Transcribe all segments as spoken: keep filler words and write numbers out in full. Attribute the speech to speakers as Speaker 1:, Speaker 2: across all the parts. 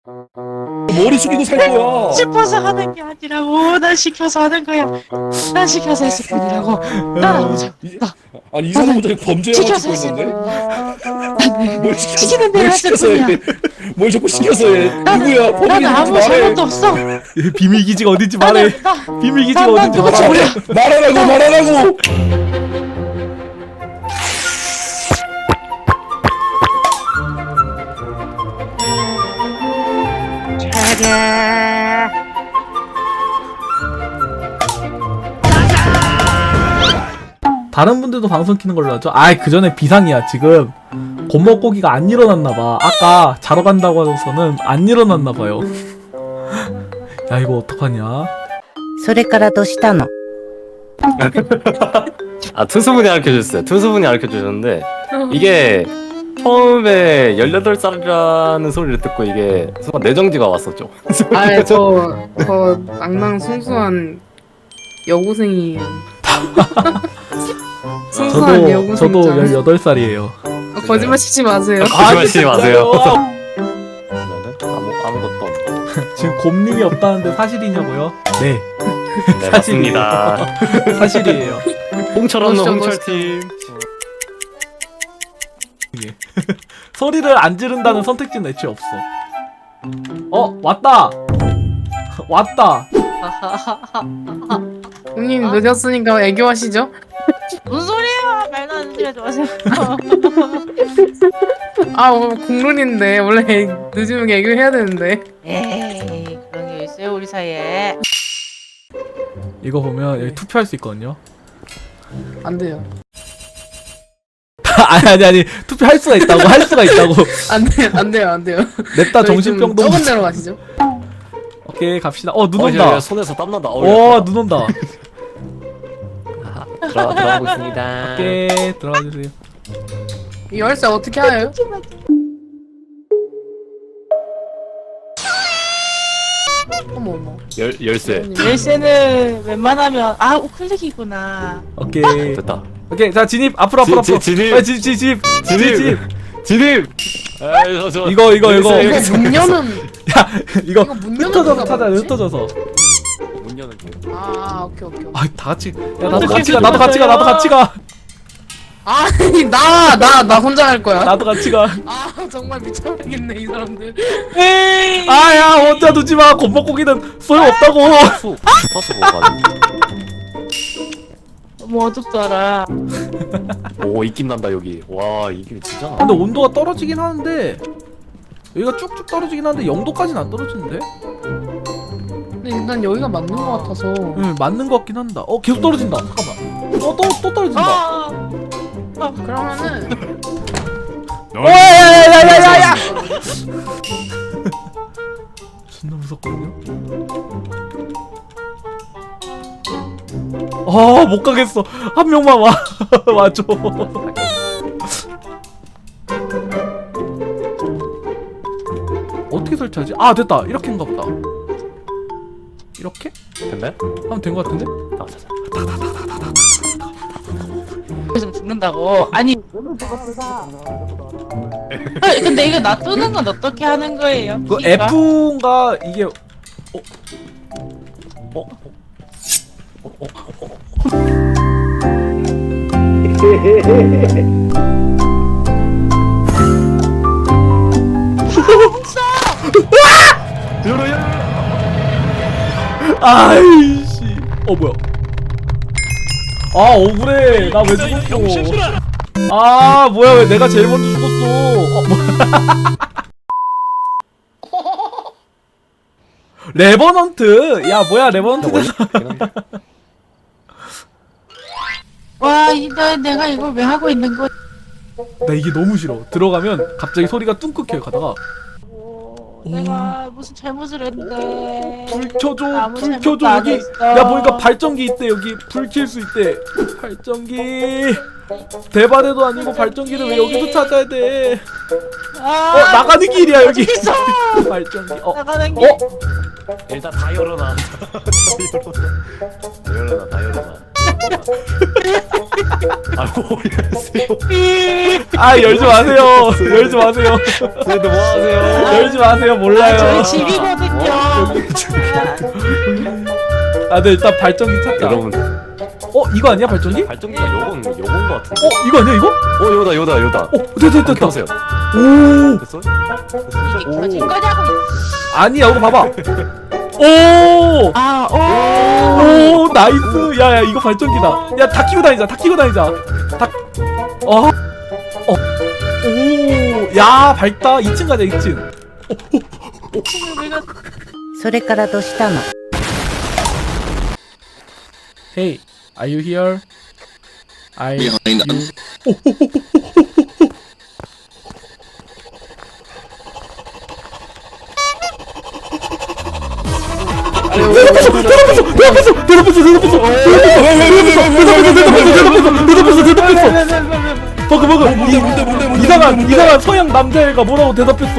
Speaker 1: 머리 숙이고 살 거야.
Speaker 2: 싶어서 하는 게 아니라고. 난 시켜서 하는 거야. 난 시켜서 했을 뿐이라고. 난 아무죠.
Speaker 1: 이- 아니 이 사람 혼자 범죄 영화
Speaker 2: 시켜서
Speaker 1: 찍고
Speaker 2: 했을
Speaker 1: 있는데? 뭘 시켜서
Speaker 2: 시키는 대로
Speaker 1: 뭘
Speaker 2: 했을
Speaker 1: 시켜서
Speaker 2: 뿐이야.
Speaker 1: 해? 뭘 자꾸 시켜서 해? 누구야?
Speaker 2: 난
Speaker 1: 범인이
Speaker 2: 아무
Speaker 1: 누군지 말해.
Speaker 2: 잘못도 없어.
Speaker 3: 비밀 기지가 어딘지 말해.
Speaker 2: 나는 나
Speaker 3: 비밀 기지가
Speaker 2: 난- 난
Speaker 3: 어딘지
Speaker 2: 누구지
Speaker 3: 말해.
Speaker 2: 몰라.
Speaker 1: 말하라고 말하라고.
Speaker 3: 다른 분들도 방송 키는 걸로 하죠. 아이 그 전에 비상이야. 지금 곰먹고기가 안 일어났나봐. 아까 자러 간다고 하고서는 안 일어났나봐요. 야 이거 어떡하냐.
Speaker 4: それからどうしたの
Speaker 5: 아 투수분이 가르쳐주셨어요. 투수분이 가르쳐주셨는데 이게 처음에 열여덟 살이라는 소리를 듣고 이게 순간 내정지가 왔었죠.
Speaker 6: 아, 저, 저 낭낭 순수한 여고생이에요. 순수한
Speaker 3: 저도
Speaker 6: 여고생.
Speaker 3: 저도 열여덟 살이에요.
Speaker 6: 아, 거짓말 치지 마세요.
Speaker 5: 거짓말치지 마세요.
Speaker 3: 진짜요?
Speaker 5: 아무 아무것도 없-
Speaker 3: 지금 곰님이 없다는데 사실이냐고요? 네
Speaker 5: 네 맞습니다.
Speaker 3: 사실이에요.
Speaker 5: 홍철 없는
Speaker 6: 멋있어,
Speaker 5: 홍철팀.
Speaker 3: 소리를 안 지른다는 선택지는 애초에 없어. 어 왔다 왔다.
Speaker 6: 형님 늦었으니까 애교하시죠?
Speaker 2: 무슨 소리야? 말도 안 되지 마세요.
Speaker 6: 아, 오늘 공론인데 원래 애- 늦으면 애교해야 되는데.
Speaker 2: 에이, 그런 게 있어요 우리 사이에.
Speaker 3: 이거 보면 여기 투표할 수 있거든요.
Speaker 6: 안 돼요.
Speaker 3: 아니 아니 아니 투표할 수가 있다고 할 수가 있다고.
Speaker 6: 안 돼요, 안 돼요, 안 돼요.
Speaker 3: 냅다
Speaker 6: 저희 좀
Speaker 3: 정신병동.
Speaker 6: 적은 데로 가시죠.
Speaker 3: 오케이 갑시다. 어 눈
Speaker 5: 어,
Speaker 3: 온다.
Speaker 5: 야, 손에서 땀난다. 어,
Speaker 3: 오
Speaker 5: 야,
Speaker 3: 눈 온다.
Speaker 5: 들어가 들어가고 있습니다.
Speaker 3: 오케이 들어가 주세요.
Speaker 6: 이 열쇠 어떻게 하요? 어머 어머.
Speaker 5: 열 열쇠.
Speaker 2: 열쇠는 웬만하면 아 우클릭이구나.
Speaker 3: 오케이
Speaker 5: 됐다.
Speaker 3: 오케이 자 진입 앞으로 앞으로
Speaker 5: 지-
Speaker 3: 앞으로.
Speaker 5: 지- 진입.
Speaker 3: 아, 진- 진- 진입 진입 진입.
Speaker 5: 진입. 에이, 저, 저,
Speaker 3: 이거 이거 이거.
Speaker 5: 열쇠,
Speaker 6: 이거 문 여는
Speaker 3: 야 이거
Speaker 6: 이거 문 여는
Speaker 3: 흩어져서
Speaker 6: 데가
Speaker 3: 찾아
Speaker 6: 뭐지?
Speaker 3: 흩어져서.
Speaker 5: 문 여는 길.
Speaker 6: 아, 오케이 오케이. 오케이.
Speaker 3: 아다 같이. 야 나도 같이 가 나도 같이 가 나도 같이 가
Speaker 6: 아니 나 나 나 혼자 갈 거야.
Speaker 3: 나도 같이 가.
Speaker 6: 아 정말 미쳐버리겠네 이 사람들.
Speaker 2: 에이.
Speaker 3: 아야 혼자 두지 마. 곰먹고기는 소용 없다고.
Speaker 5: 수 파스 뭐가?
Speaker 2: 너무 어둡더라.
Speaker 5: 오 입김 난다 여기. 와 이게 진짜. 나.
Speaker 3: 근데 온도가 떨어지긴 하는데 여기가 쭉쭉 떨어지긴 하는데 영 도까지는 안 떨어지는데?
Speaker 6: 근데 일단 여기가 맞는 것 같아서.
Speaker 3: 응 맞는 것 같긴 한다. 어 계속 떨어진다. 잠깐만. 어또 또 떨어진다.
Speaker 2: 아.
Speaker 6: 그러면은
Speaker 3: 오야야야야야야! 존나 무섭거든요. 아 못 가겠어. 한 명만 와 와줘. 어떻게 설치하지? 아 됐다. 이렇게인가 보다. 이렇게?
Speaker 5: 됐나요?
Speaker 3: 하면 된 것 같은데?
Speaker 5: 아, 자, 자.
Speaker 2: 좀 죽는다고. 아니. 아니, 근데 이거 놔두는 건 어떻게 하는 거예요?
Speaker 3: 그
Speaker 2: 키가?
Speaker 3: F인가 이게
Speaker 5: 어? 열어 열어.
Speaker 3: 아이씨. 어 뭐야? 아 억울해. 나 왜 죽었어? 아 뭐야 왜 내가 제일 먼저 죽었어? 어 뭐야? 레버넌트. 야 뭐야 레버넌트.
Speaker 2: 와, 이거 내가 이걸 왜 하고 있는 거야?
Speaker 3: 나 이게 너무 싫어. 들어가면 갑자기 소리가 뚱긋해요. 가다가
Speaker 2: 오, 내가 무슨 잘못을 했는데.
Speaker 3: 불 켜줘.
Speaker 2: 아무
Speaker 3: 불
Speaker 2: 잘못도
Speaker 3: 켜줘
Speaker 2: 안
Speaker 3: 여기.
Speaker 2: 했어.
Speaker 3: 야 보니까 발전기 있대 여기. 불 켤 수 있대. 발전기. 대바대도 아니고 발전기를 왜 여기서 찾아야 돼?
Speaker 2: 아,
Speaker 3: 어 나가는 길이야 여기.
Speaker 2: 어디 있어?
Speaker 3: 발전기. 어.
Speaker 2: 나가는 길.
Speaker 3: 어?
Speaker 5: 일단 다 열어놔. 다 열어놔. 다 열어놔. 다 열어놔. 아이고 열세요.
Speaker 3: 아 열지 마세요. 열지 마세요.
Speaker 5: 쟤도 뭐 하세요?
Speaker 3: 열지 마세요. 몰라요.
Speaker 2: 저희 집이거든요.
Speaker 3: 아, 네 일단 발전기 찾자.
Speaker 5: 여러분
Speaker 3: 어 이거 아니야 발전기?
Speaker 5: 발전기가 요건 요건 거 같은데.
Speaker 3: 어 이거 아니야 이거?
Speaker 5: 어 요다 요다 요다.
Speaker 3: 어 됐다 됐다 됐다.
Speaker 5: 보세요.
Speaker 3: 오
Speaker 5: 됐어?
Speaker 2: 이게 켜진 거냐고.
Speaker 3: 아니야 이거 봐봐. 오.
Speaker 2: 아, 오.
Speaker 3: 오 나이스. 야야 이거 발전기다. 야 다 키고 다니자. 다 키고 다니자. 다. 어. 어. 오. 야 밝다. 이 층 가자 이 층.
Speaker 4: それからどうしたの
Speaker 3: Hey, are you here? Are you? 대답했어! 대답했어! 대답했어! 대답했어! 대답했어! 대답했어! 버그 버그!
Speaker 1: 뭔데 뭔데 뭔데 뭔데
Speaker 3: 이상한
Speaker 1: 뭔데?
Speaker 3: 이상한 서양 남자애가 뭐라고 대답했어.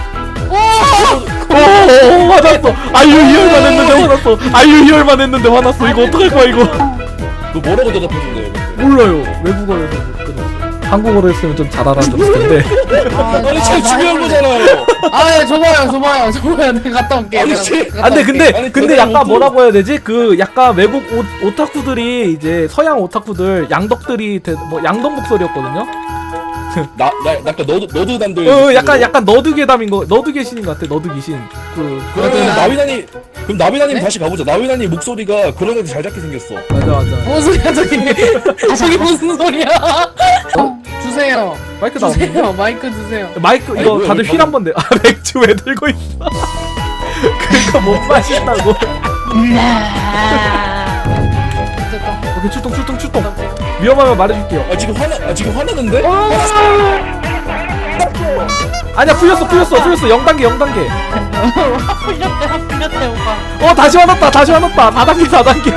Speaker 3: 오 화났어. 아유 히얼만 했는데 화났어. 아유 히얼만 했는데 화났어. 이거 어떡할 거야 이거.
Speaker 1: 너 뭐라고 대답해준대요? 근데?
Speaker 3: 몰라요. 외국어로 해서 못 끊었어. 한국어로 했으면 좀 잘 알아들었을 텐데.
Speaker 1: 아니 제일 중요한 거잖아요.
Speaker 6: 아, 줘봐요, 줘봐요, 줘봐요. 내가 갔다 올게.
Speaker 1: 아니,
Speaker 6: 내가
Speaker 1: 씨.
Speaker 6: 갔다
Speaker 3: 아 근데
Speaker 6: 올게.
Speaker 3: 근데
Speaker 1: 아니,
Speaker 3: 근데
Speaker 1: 그건
Speaker 3: 약간
Speaker 1: 어떤-
Speaker 3: 뭐라고 해야 되지? 그 약간 외국 오, 오타쿠들이 이제 서양 오타쿠들 양덕들이 대, 뭐 양덕 목소리였거든요.
Speaker 1: 나나 약간 너도 너도 남들.
Speaker 3: 어 약간 약간 너드괴담인 거 너드귀신인 것 같아. 너드귀신. 그
Speaker 1: 그러면
Speaker 6: 나-
Speaker 1: 나비나니 그럼 나비나님
Speaker 6: 네?
Speaker 1: 다시 가보자. 나비나님 목소리가 그런 애들 잘 잡게 생겼어.
Speaker 3: 맞아 맞아.
Speaker 6: 뭔 소리야, 저기. 저기 무슨 소리야? 어? 주세요.
Speaker 3: 마이크 나 없는데?
Speaker 6: 주세요. 마이크 주세요.
Speaker 3: 마이크
Speaker 1: 아니,
Speaker 3: 이거
Speaker 1: 뭐야,
Speaker 3: 다들
Speaker 1: 왜
Speaker 3: 휠 한번 내. 아 맥주 왜 들고 있어? 그거 못 마신다고.
Speaker 6: 됐다.
Speaker 3: 오케이 출동 출동 출동. 위험하면 말해줄게요.
Speaker 1: 아 지금 화나 아 지금 화나는데?
Speaker 3: 아니야 풀렸어 풀렸어 풀렸어 영 단계 영 단계.
Speaker 2: 확 풀렸대, 확 풀렸대, 오빠.
Speaker 3: 어 다시 화났다 다시 화났다 사 단계 사 단계.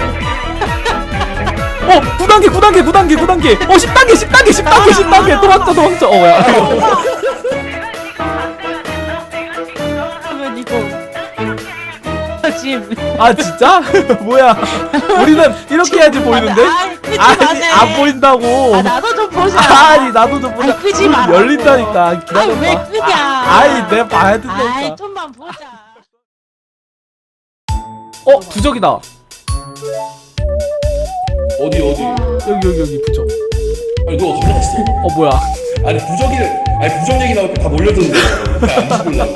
Speaker 3: 어 구 단계 구 단계 구 단계 구 단계. 어 십 단계 십 단계 십 단계 십 단계 도망쳐 도망쳐. 어 뭐야.
Speaker 2: 그러면 이거. 지금.
Speaker 3: 아 진짜? 뭐야? 우리는 이렇게 해야지 보이는데?
Speaker 2: 아, 끄지
Speaker 3: 아니
Speaker 2: 마세요.
Speaker 3: 안 보인다고.
Speaker 2: 아, 나도 좀 보자.
Speaker 3: 아니 나도 좀 보자.
Speaker 2: 아니, 끄지 마라고.
Speaker 3: 열린다니까.
Speaker 2: 아,
Speaker 3: 기다려봐.
Speaker 2: 왜 끄냐?
Speaker 3: 아, 아이 내가 봐야
Speaker 2: 아이,
Speaker 3: 된다니까.
Speaker 2: 좀만 보자.
Speaker 3: 어 부적이다.
Speaker 1: 어디 어디?
Speaker 3: 여기 여기 여기 부적.
Speaker 1: 아니 너 어디 갔어?
Speaker 3: 어 뭐야?
Speaker 1: 아니 부적이를 아니 부적 얘기 나오니까 다 몰려드는데. 안 죽을래?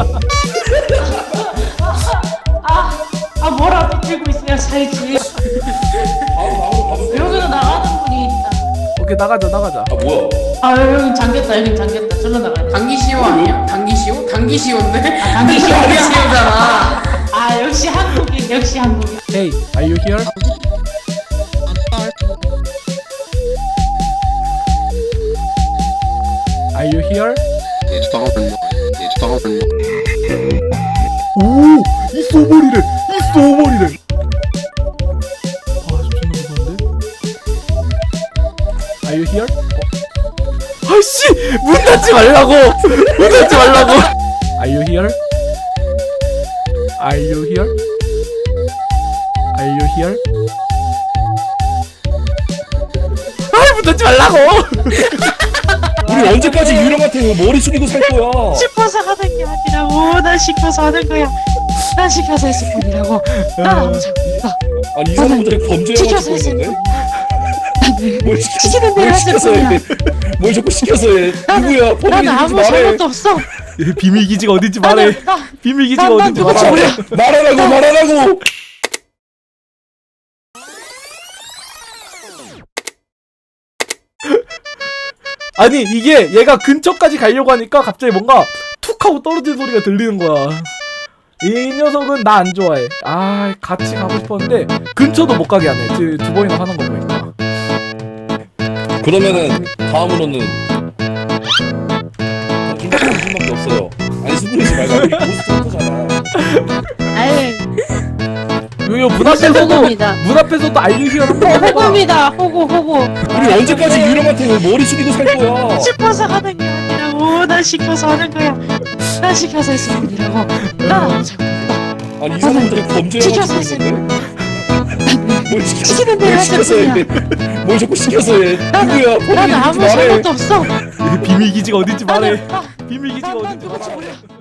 Speaker 2: 아, 뭐라도 들고 있어야 살지.
Speaker 1: 바로 나오고 가도 돼.
Speaker 2: 여기는 나가는 분이 있다.
Speaker 3: 오케이 나가자 나가자.
Speaker 1: 아 뭐야?
Speaker 2: 아, 여기 잠겼다, 여기 잠겼다. 절로 나가야 돼.
Speaker 6: 당기시오 아니야? 당기시오? 당기시오인데?
Speaker 2: 아, 당기시오.
Speaker 6: 당기시오잖아.
Speaker 2: 아, 역시 한국인, 역시 한국인.
Speaker 3: Hey, are you here? Are you here? 오! 있어 머리래! 있어 머리래! 아, 저 존나 무서운데? Are you here? 어? 아이씨! 문 닫지 말라고! 문 닫지 말라고! Are you here? Are you here? Are you here? 아이 문 닫지 말라고!
Speaker 1: 우리 언제까지 유령한테 머리 숙이고 살 거야?
Speaker 2: 싶어서 하는 게 아니라고. 난 시켜서 하는 거야. 난 시켜서 했을 뿐이라고. 난 아무 잘못 없어.
Speaker 1: 아니 이 사람들 범죄 영화
Speaker 2: 시켜서
Speaker 1: 찍고
Speaker 2: 했을
Speaker 1: 있는데?
Speaker 2: 뿐.
Speaker 1: 뭘 시켜?
Speaker 2: 시키는 대로
Speaker 1: 뭘
Speaker 2: 했을
Speaker 1: 시켜서 해?
Speaker 2: 뿐이야.
Speaker 1: 뭘 자꾸 시켜서 해? 누구야? 범인
Speaker 2: 나는
Speaker 1: 누군지
Speaker 2: 아무
Speaker 1: 말해.
Speaker 2: 잘못도 없어.
Speaker 3: 비밀 기지가 어딘지 말해.
Speaker 2: 나는 나
Speaker 3: 비밀 기지가
Speaker 2: 난- 난
Speaker 3: 어딘지
Speaker 2: 누구지
Speaker 3: 말해.
Speaker 2: 몰라.
Speaker 1: 말하라고 말하라고.
Speaker 3: 아니 이게 얘가 근처까지 가려고 하니까 갑자기 뭔가 툭 하고 떨어지는 소리가 들리는 거야. 이 녀석은 나 안 좋아해. 아 같이 가고 싶었는데 근처도 못 가게 하네. 두, 두 번이나 하는 거 보니까.
Speaker 1: 그러면은 다음으로는 김치 정신밖에 없어요. 아니 수그리지 말고 우리 고스트잖아.
Speaker 2: 아유,
Speaker 3: 요요 문 앞에서도
Speaker 2: 호구입니다.
Speaker 3: 문 앞에서도 알류시가 한번 해봐.
Speaker 2: 호구입니다. 호구, 호구.
Speaker 1: 우리 언제까지 유령한테 머리 숙이고 살 거야?
Speaker 2: 싶어서 하는 게 아니라고. 난 시켜서 하는 거야. 난 시켜서 했을 뿐이라고. 난 아무 잘못 없어.
Speaker 1: 아니 이 사람들 범죄 영화
Speaker 2: 시켜서
Speaker 1: 찍고
Speaker 2: 했을
Speaker 1: 있는데? 뭘 시켰어?
Speaker 2: 시키는 대로
Speaker 1: 뭘
Speaker 2: 하자,
Speaker 1: 시켜서 해? 뭘 자꾸 시켜서 해? 누구야?
Speaker 2: 나는
Speaker 1: 본인이
Speaker 2: 아무
Speaker 1: 말해.
Speaker 2: 잘못도 없어.
Speaker 3: 비밀 기지가 어딘지 말해.
Speaker 2: 나-
Speaker 3: 비밀 기지가
Speaker 2: 난, 난
Speaker 3: 어딘지
Speaker 2: 누군지
Speaker 3: 말해.
Speaker 2: 몰라.